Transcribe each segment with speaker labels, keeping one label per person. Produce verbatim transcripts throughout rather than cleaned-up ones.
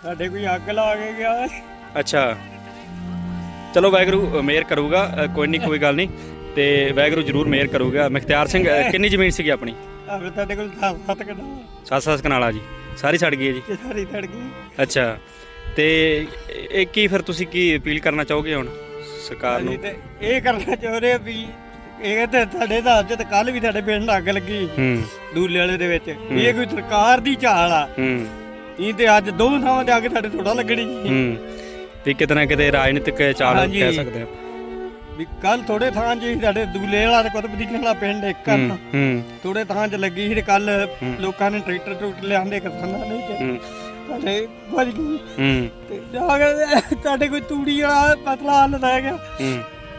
Speaker 1: ਸਾਡੇ ਕੋਈ ਅੱਗ ਲਾ ਕੇ ਗਿਆ।
Speaker 2: ਅੱਛਾ ਚਲੋ ਵਾਹਿਗੁਰੂ ਮਿਹਰ ਕਰੂਗਾ, ਕੋਈ ਨਹੀਂ ਕੋਈ ਗੱਲ ਨਹੀਂ, ਤੇ ਵਾਹਿਗੁਰੂ ਜ਼ਰੂਰ ਮਿਹਰ ਕਰੂਗਾ। ਮੁਖਤਿਆਰ ਸਿੰਘ ਕਿੰਨੀ ਜ਼ਮੀਨ ਸੀਗੀ ਆਪਣੀ?
Speaker 1: ਆਹ ਸਾਡੇ ਕੋਲ ਸੱਤ ਸੱਤ ਕਨਾਲ
Speaker 2: ਸੱਤ ਸੱਤ ਕਨਾਲਾ ਜੀ, ਸਾਰੀ ਛੱਡ ਗਈ ਹੈ ਜੀ?
Speaker 1: ਤੇ ਸਾਰੀ ਛੱਡ ਗਈ।
Speaker 2: ਅੱਛਾ ਤੇ ਇਹ ਕੀ ਫਿਰ ਤੁਸੀਂ ਕੀ ਅਪੀਲ ਕਰਨਾ ਚਾਹੋਗੇ ਹੁਣ ਸਰਕਾਰ ਨੂੰ?
Speaker 1: ਅਸੀਂ ਤੇ ਇਹ ਕਰਨਾ ਚਾਹੁੰਦੇ ਆ ਵੀ ਇਹ ਤੇ ਸਾਡੇ ਦਾ ਅੱਜ ਤੇ ਕੱਲ ਵੀ ਸਾਡੇ ਪਿੰਡ ਅੱਗ ਲੱਗੀ
Speaker 2: ਹੂੰ
Speaker 1: ਦੂਲੇ ਵਾਲੇ ਦੇ ਵਿੱਚ, ਇਹ ਕੋਈ ਸਰਕਾਰ ਦੀ ਚਾਲ ਆ।
Speaker 2: ਹੂੰ
Speaker 1: ਇਹ ਤੇ ਅੱਜ ਦੋ ਥਾਵਾਂ ਤੇ ਅੱਗ ਸਾਡੇ ਥੋੜਾ ਲੱਗਣੀ।
Speaker 2: ਹੂੰ ਤੇ ਕਿਤੇ ਨਾ ਕਿਤੇ ਰਾਜਨੀਤਿਕ ਚਾਲ
Speaker 1: ਹਾਂਜੀ।
Speaker 2: ਕਹਿ ਸਕਦੇ ਆ
Speaker 1: ਵੀ ਕੱਲ ਥੋੜੇ ਥਾਂ 'ਚ ਸੀ ਸਾਡੇ ਦੂਲੇ ਵਾਲਾ ਤੇ ਕੁਤਬਦੀਨ ਵਾਲਾ ਪਿੰਡ ਇੱਕ ਕਰਨ
Speaker 2: ਹੂੰ ਹੂੰ
Speaker 1: ਥੋੜੇ ਥਾਂ 'ਚ ਲੱਗੀ ਸੀ ਤੇ ਕੱਲ ਲੋਕਾਂ ਨੇ ਟਰੈਕਟਰ ਟਰੂਕਟਰ ਲਿਆਂਦੇ ਕਿਸਾਨਾਂ ਨੇ ਤੇ
Speaker 2: ਹੂੰ
Speaker 1: ਸਾਡੇ ਵੱਜ ਗਈ
Speaker 2: ਹੂੰ
Speaker 1: ਤੇ ਜਾ ਕੇ ਸਾਡੇ ਕੋਈ ਤੂੜੀ ਵਾਲਾ ਪਤਲਾ ਹੱਲ ਰਹਿ ਗਿਆ।
Speaker 2: ਹੂੰ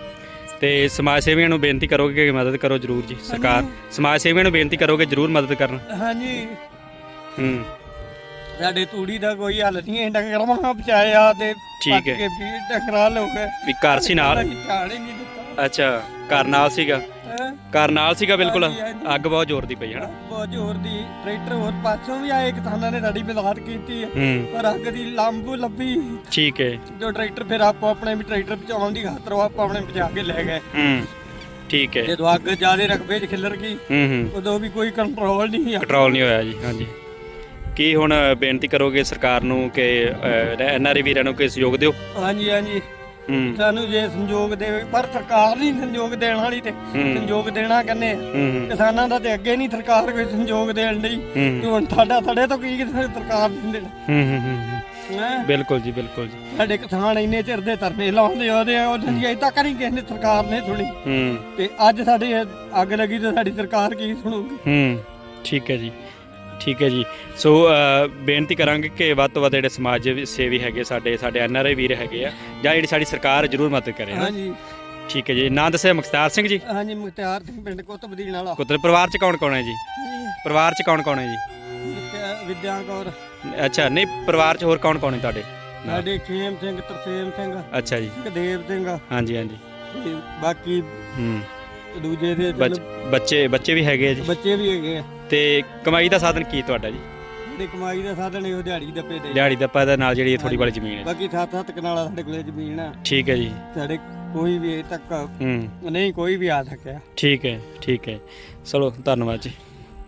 Speaker 2: ਤੇ ਸਮਾਜ ਸੇਵੀਆਂ ਨੂੰ ਬੇਨਤੀ ਕਰੋਗੇ ਕਿ ਮਦਦ ਕਰੋ ਜ਼ਰੂਰ ਜੀ? ਸਰਕਾਰ ਸਮਾਜ ਸੇਵੀਆਂ ਨੂੰ ਬੇਨਤੀ ਕਰੋਗੇ ਜ਼ਰੂਰ ਮਦਦ ਕਰਨ?
Speaker 1: ਹਾਂਜੀ
Speaker 2: ਹੂੰ
Speaker 1: ਸਾਡੇ ਤੂੜੀ ਦਾ ਕੋਈ ਹੱਲ ਨਹੀਂ ਹੈ, ਡੰਗਰਾਂ ਮਾਂ ਬਚਾਇਆ ਤੇ
Speaker 2: ਠੀਕ
Speaker 1: ਪੱਕ
Speaker 2: ਹੈ।
Speaker 1: ਕੇ ਵੀ ਡੰਗਰਾਂ ਲੋ ਗਏ
Speaker 2: ਵੀ ਘਰ ਸੀ ਨਾਲ?
Speaker 1: ਅਸੀਂ ਧਿਆਨ ਹੀ ਨਹੀਂ ਦਿੱਤਾ।
Speaker 2: ਅੱਛਾ ਘਰ ਨਾਲ ਸੀਗਾ?
Speaker 1: ਹੈਂ?
Speaker 2: ਘਰ ਨਾਲ ਸੀਗਾ ਬਿਲਕੁਲ?
Speaker 1: ਹਾਂਜੀ, ਹਾਂਜੀ।
Speaker 2: ਅੱਗ ਬਹੁਤ ਜ਼ੋਰ ਦੀ ਪਈ ਹੈ ਨਾ?
Speaker 1: ਬਹੁਤ ਜ਼ੋਰ ਦੀ ਟਰੈਕਟਰ ਹੋਰ ਪਾਸੋਂ ਵੀ ਆਏ, ਕਿਸਾਨਾਂ ਨੇ ਸਾਡੀ ਮਦਦ ਕੀਤੀ ਹੈ
Speaker 2: ਹੂੰ
Speaker 1: ਪਰ ਅੱਗ ਦੀ ਲੰਬੂ ਲੱਭੀ
Speaker 2: ਠੀਕ ਹੈ।
Speaker 1: ਜੋ ਟਰੈਕਟਰ ਫਿਰ ਆਪੋ ਆਪਣੇ ਵੀ ਟਰੈਕਟਰ ਬਚਾਉਣ ਦੀ ਖਾਤਰ ਉਹ ਆਪੋ ਆਪਣੇ ਬਚਾ ਕੇ ਲੈ ਗਏ।
Speaker 2: ਹੂੰ ਠੀਕ ਹੈ।
Speaker 1: ਜਦੋਂ ਅੱਗ ਜ਼ਿਆਦਾ ਰਕਬੇ 'ਚ ਖਿਲਰ ਗਈ
Speaker 2: ਹੂੰ ਹੂੰ
Speaker 1: ਉਦੋਂ ਵੀ ਕੋਈ ਕੰਟਰੋਲ ਨਹੀਂ ਸੀ।
Speaker 2: ਕੰਟਰੋਲ ਨਹੀਂ ਹੋਇਆ ਜੀ। ਹਾਂਜੀ ਕੀ ਹੁਣ ਬੇਨਤੀ ਕਰੋਗੇ ਸਰਕਾਰ ਨੂੰ ਕਿ ਐਨ ਆਰ ਆਈ ਵੀਰਾਂ ਨੂੰ ਕੋਈ ਸਹਿਯੋਗ ਦਿਓ?
Speaker 1: ਹਾਂਜੀ ਹਾਂਜੀ
Speaker 2: ਹੂੰ
Speaker 1: ਸਾਨੂੰ ਜੇ ਸੰਯੋਗ ਦੇਵੇ, ਪਰ ਸਰਕਾਰ ਨਹੀਂ ਸੰਯੋਗ ਦੇਣ ਵਾਲੀ ਤੇ ਸੰਯੋਗ ਦੇਣਾ ਕਹਿੰਦੇ ਆ।
Speaker 2: ਹੂੰ
Speaker 1: ਕਿਸਾਨਾਂ ਦਾ ਤੇ ਅੱਗੇ ਨਹੀਂ ਸਰਕਾਰ ਕੋਈ ਸੰਯੋਗ ਦੇਣ ਲਈ,
Speaker 2: ਹੂੰ
Speaker 1: ਤੇ ਹੁਣ ਸਾਡਾ ਸਾਡੇ ਤੋਂ ਕੀ ਕਿਸੇ ਸਰਕਾਰ ਨਹੀਂ ਦੇਣਾ।
Speaker 2: ਹੂੰ ਹੂੰ ਹੂੰ
Speaker 1: ਹੈਂ?
Speaker 2: ਬਿਲਕੁਲ ਜੀ ਬਿਲਕੁਲ ਜੀ।
Speaker 1: ਸਾਡੇ ਕਿਸਾਨ ਇੰਨੇ ਚਿਰ ਦੇ ਧਰਨੇ ਲਾਉਂਦੇ ਆਉਂਦੇ ਆ, ਉਹਨਾਂ ਦੀ ਅਜੇ ਤੱਕ ਨਹੀਂ ਕਿਸੇ ਨੇ ਸਰਕਾਰ ਨੇ ਸੁਣੀ,
Speaker 2: ਹੂੰ
Speaker 1: ਤੇ ਅੱਜ ਸਾਡੀ ਇਹ ਅੱਗ ਲੱਗੀ ਤੇ ਸਾਡੀ ਸਰਕਾਰ ਕੀ ਸੁਣੂਗੀ?
Speaker 2: ਹੂੰ ਠੀਕ ਹੈ ਜੀ ਠੀਕ ਹੈ ਜੀ। ਸੋ ਅ, ਬੇਨਤੀ ਕਰਾਂਗੇ ਕਿ ਵੱਧ ਤੋਂ ਵੱਧ ਜਿਹੜੇ ਸਮਾਜ ਸੇਵੀ ਹੈਗੇ ਸਾਡੇ ਸਾਡੇ ਐਨ ਆਰ ਆਈ ਵੀਰ ਹੈਗੇ ਆ ਜਾਂ ਜਿਹੜੀ ਸਾਡੀ ਸਰਕਾਰ ਜ਼ਰੂਰ ਮਦਦ ਕਰੇ।
Speaker 1: ਹਾਂਜੀ
Speaker 2: ਠੀਕ ਹੈ ਜੀ। ਨਾਂ ਦੱਸਿਆ? ਮੁਖਤਿਆਰ ਸਿੰਘ ਜੀ?
Speaker 1: ਹਾਂਜੀ ਮੁਖਤਿਆਰ ਸਿੰਘ ਪਿੰਡ ਕੁਤਬਦੀਨ ਵਾਲਾ।
Speaker 2: ਪੁੱਤਰ ਪਰਿਵਾਰ ਚ ਕੌਣ ਕੌਣ ਹੈ ਜੀ? ਪਰਿਵਾਰ ਚ ਕੌਣ ਕੌਣ ਹੈ ਜੀ?
Speaker 1: ਵਿਦਿਆ- ਵਿਦਿਆ ਕੌਰ।
Speaker 2: ਅੱਛਾ ਨਹੀਂ ਪਰਿਵਾਰ ਚ ਹੋਰ ਕੌਣ ਕੌਣ ਹੈ ਤੁਹਾਡੇ?
Speaker 1: ਸਾਡੇ ਖੇਮ ਸਿੰਘ, ਤਰਸੇਮ ਸਿੰਘ,
Speaker 2: ਅੱਛਾ ਜੀ।
Speaker 1: ਸੁਖਦੇਵ ਸਿੰਘ,
Speaker 2: ਹਾਂਜੀ ਹਾਂਜੀ।
Speaker 1: ਤੇ ਬਾਕੀ
Speaker 2: ਹੂੰ
Speaker 1: ਦੂਜੇ ਦੇ
Speaker 2: ਬੱਚ- ਬੱਚੇ ਬੱਚੇ ਵੀ ਹੈਗੇ ਆ ਜੀ?
Speaker 1: ਬੱਚੇ ਵੀ ਹੈਗੇ ਆ।
Speaker 2: ਤੇ ਕਮਾਈ ਦਾ ਸਾਧਨ ਕੀ ਤੁਹਾਡਾ ਜੀ?
Speaker 1: ਤੇ ਕਮਾਈ ਦਾ ਸਾਧਨ ਇਹੋ ਦਿਹਾੜੀ ਦੱਪੇ ਦੇ।
Speaker 2: ਦਿਹਾੜੀ ਦਾ ਦੇ ਨਾਲ ਜਿਹੜੀ ਥੋੜੀ ਵਾਲੀ ਜ਼ਮੀਨ ਹੈ?
Speaker 1: ਬਾਕੀ ਸੱਤ ਸੱਤ ਕਨਾਲਾ ਸਾਡੇ ਕੋਲੇ ਜ਼ਮੀਨ ਆ।
Speaker 2: ਠੀਕ ਹੈ ਜੀ।
Speaker 1: ਸਾਡੇ ਕੋਈ ਵੀ ਅਜੇ ਤੱਕ
Speaker 2: ਹੂੰ
Speaker 1: ਨਹੀਂ ਕੋਈ ਵੀ ਆ ਸਕਿਆ।
Speaker 2: ਠੀਕ ਹੈ ਠੀਕ ਹੈ। ਚਲੋ ਧੰਨਵਾਦ ਜੀ।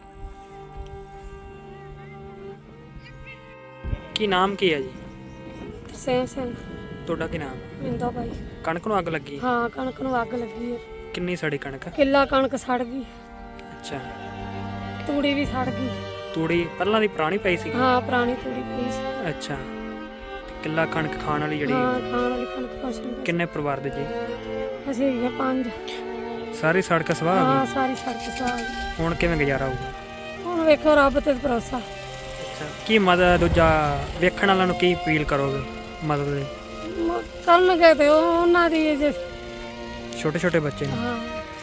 Speaker 3: ਕੀ ਨਾਮ ਕੀ ਹੈ ਜੀ?
Speaker 4: ਸੇਮ ਸਿੰਘ।
Speaker 3: ਤੁਹਾਡਾ ਕੀ ਨਾਮ?
Speaker 4: ਮਿੰਦਾ ਭਾਈ।
Speaker 3: ਕਣਕ ਨੂੰ ਅੱਗ ਲੱਗੀ?
Speaker 4: ਹਾਂ ਕਣਕ ਨੂੰ ਅੱਗ ਲੱਗੀ ਹੈ।
Speaker 3: ਕਿੰਨੀ ਸੜੀ ਕਣਕ?
Speaker 4: ਕਿੱਲਾ ਕਣਕ ਸੜ ਗਈ,
Speaker 3: ਅੱਛਾ
Speaker 4: ਤੂੜੀ ਵੀ ਸੜ ਗਈ।
Speaker 3: ਤੂੜੀ ਪਹਿਲਾਂ ਦੀ ਪੁਰਾਣੀ ਪਈ ਸੀ?
Speaker 4: ਹਾਂ ਪੁਰਾਣੀ ਤੂੜੀ ਪਈ ਸੀ।
Speaker 3: ਅੱਛਾ ਕਿੱਲਾ ਕਣਕ ਖਾਣ ਵਾਲੀ ਜਿਹੜੀ?
Speaker 4: ਹਾਂ ਖਾਣ ਵਾਲੀ ਕਣਕ ਕੁਛ ਨਹੀਂ ਬਚੀ।
Speaker 3: ਕਿੰਨੇ ਪਰਿਵਾਰ ਦੇ ਜੀ?
Speaker 4: ਅਸੀਂ ਹੈਗੇ ਪੰਜ।
Speaker 3: ਸਾਰੀ ਸੜਕ ਸਵਾਹ ਹੋ
Speaker 4: ਹਾਂ
Speaker 3: ਗਈ?
Speaker 4: ਸਾਰੀ ਸੜਕ ਸਾਰੀ।
Speaker 3: ਹੁਣ ਕਿਵੇਂ ਗੁਜ਼ਾਰਾ ਹੋਊਗਾ?
Speaker 4: ਹੁਣ ਵੇਖੋ ਰੱਬ ਤੇ ਭਰੋਸਾ।
Speaker 3: ਅੱਛਾ ਕੀ ਮਦਦ ਦੂਜਾ ਵੇਖਣ ਵਾਲਿਆਂ ਨੂੰ ਕੀ ਅਪੀਲ ਕਰੋਗੇ ਮਦਦ ਦੇ?
Speaker 4: ਮ- ਕਰਨਗੇ ਤੇ ਉਹ ਉਹਨਾਂ ਦੀ ਜੇ।
Speaker 3: ਛੋਟੇ ਛੋਟੇ ਬੱਚੇ ਨੇ?
Speaker 4: ਹਾਂ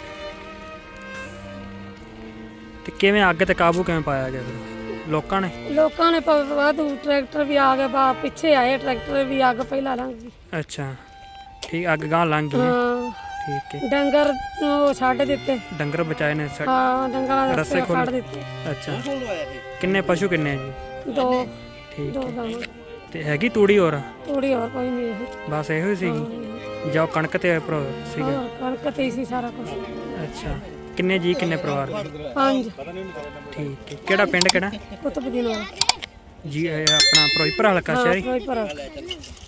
Speaker 3: ਤੇ ਕਿਵੇਂ ਅੱਗ ਤੇ ਕਾਬੂ ਕਿਵੇਂ ਪਾਇਆ ਗਿਆ ਫਿਰ? ਲੋਕਾਂ ਨੇ?
Speaker 4: ਲੋਕਾਂ ਨੇ ਪ- ਵਾਧੂ ਟਰੈਕਟਰ ਵੀ ਆ ਗਏ, ਬਾ ਪਿੱਛੇ ਆਏ ਟਰੈਕਟਰ ਵੀ, ਅੱਗ ਪਹਿਲਾਂ ਲੰਘ ਗਈ।
Speaker 3: ਅੱਛਾ ਠੀਕ ਅੱਗ ਗਾਂ ਲੰਘ ਗਈ ਹੈ।
Speaker 4: ਹਾਂ
Speaker 3: ਠੀਕ ਹੈ।
Speaker 4: ਡੰਗਰ ਉਹ ਛੱਡ ਦਿੱਤੇ।
Speaker 3: ਡੰਗਰ ਬਚਾਏ ਨੇ ਸੜ-
Speaker 4: ਹਾਂ ਡੰਗਰਾਂ ਦੇ
Speaker 3: ਰੱਸੇ
Speaker 4: ਰਸਤੇ
Speaker 3: ਖੋਲ੍ਹ-
Speaker 4: ਕੱਢ ਦਿੱਤੇ।
Speaker 3: ਅੱਛਾ ਕਿੰਨੇ ਪਸ਼ੂ ਕਿੰਨੇ ਹੈ ਜੀ?
Speaker 4: ਦੋ
Speaker 3: ਠੀਕ
Speaker 4: ਦੋ
Speaker 3: ਹੈ।
Speaker 4: ਗਾਵਾਂ।
Speaker 3: ਤੇ ਹੈਗੀ ਤੂੜੀ ਹੋਰ?
Speaker 4: ਤੂੜੀ ਹੋਰ ਕੋਈ ਨਹੀਂ ਇਹ।
Speaker 3: ਬਸ ਇਹੋ ਹੀ ਸੀਗੀ ਜਾਂ ਕਣਕ ਤੇ ਭਰੋ ਸੀਗਾ?
Speaker 4: ਹੋਰ ਕਣਕ ਤੇ ਹੀ ਸੀ ਸਾਰਾ ਕੁਝ।
Speaker 3: ਅੱਛਾ ਕਿੰਨੇ ਜੀ ਕਿੰਨੇ ਪਰਿਵਾਰ ਦੇ?
Speaker 4: ਪੰਜ।
Speaker 3: ਠੀਕ ਹੈ। ਕਿਹੜਾ ਪਿੰਡ ਕਿਹੜਾ
Speaker 4: ਕੁਤਬਦੀਨ ਵਾਲਾ।
Speaker 3: ਜੀ ਇਹ ਆਪਣਾ ਫਿਰੋਜ਼ਪੁਰ ਹਲਕਾ ਸ਼ਹਿਰੀ?
Speaker 4: ਹਾਂ ਕੋਈ ਪਰ